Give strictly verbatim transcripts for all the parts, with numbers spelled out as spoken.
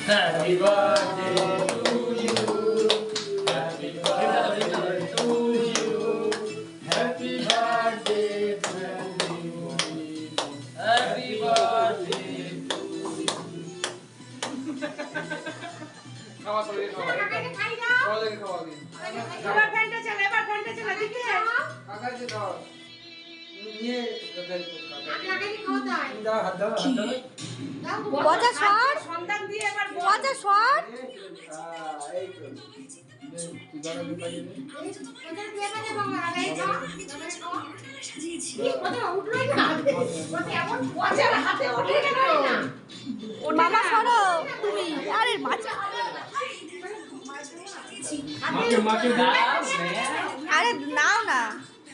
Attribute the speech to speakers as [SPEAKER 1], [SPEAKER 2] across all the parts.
[SPEAKER 1] Happy birthday to you. Happy birthday to you. Happy birthday to you. Happy birthday to you.
[SPEAKER 2] খাওয়া সবাই খাওয়া সবাই খাওয়া দিন
[SPEAKER 3] এবার ফ্যানটা চালা এবার ফ্যানটা চালা দিকে
[SPEAKER 2] কাকাকে দাও নিয়ে কাকাকে
[SPEAKER 3] আগে আগে খাওয়া দাও
[SPEAKER 2] দাও হাত দাও হাত দাও
[SPEAKER 4] পচা শট
[SPEAKER 3] সন্তান দিয়ে এবার
[SPEAKER 4] পচা শট
[SPEAKER 2] এই তো তুই গানা দিতে পারবি
[SPEAKER 3] ওটা দিয়ে মানে বাবা আগে খাও কি কথা উঠলোই না ওটা এমন পচার হাতে ওঠে কেন না
[SPEAKER 4] মামা সরো তুমি আরে মাছ
[SPEAKER 2] মাকে মাকে দাও
[SPEAKER 4] আরে নাও না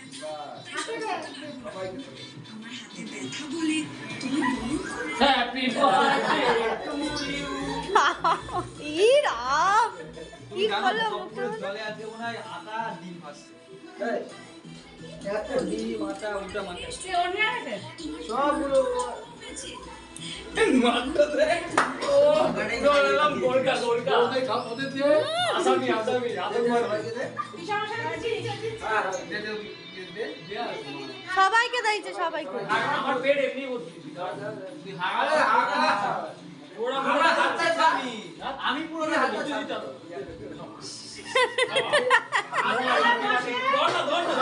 [SPEAKER 1] Happy birthday to you.
[SPEAKER 4] ই রাম কি হলো মুখটা
[SPEAKER 5] জলে আজকে মনে হয় আটা ডিম ভাসছে
[SPEAKER 2] এই এত ডিম আটা উল্টা মাথা
[SPEAKER 3] সে অন্য আছে
[SPEAKER 2] সবগুলো
[SPEAKER 1] মাত্র দে ও দৌড়ালাম গোলকা গোলকা
[SPEAKER 2] ওদের খাপ ওদের দিয়ে
[SPEAKER 1] আসামি আসামি আসামি
[SPEAKER 2] ভাইকে দে
[SPEAKER 3] কি সমস্যা হচ্ছে
[SPEAKER 2] হ্যাঁ দে দে দে দে
[SPEAKER 4] সবাইকে দিয়েছে সবাইকে
[SPEAKER 1] আমার পেট এমনি ভর্তি
[SPEAKER 5] তুই
[SPEAKER 2] আরে
[SPEAKER 5] হাগা
[SPEAKER 2] হাগা
[SPEAKER 1] ওরা
[SPEAKER 5] আমরা হাতটা খাবি আমি পুরো
[SPEAKER 1] হাতে দিতে হবে ধর না ধর না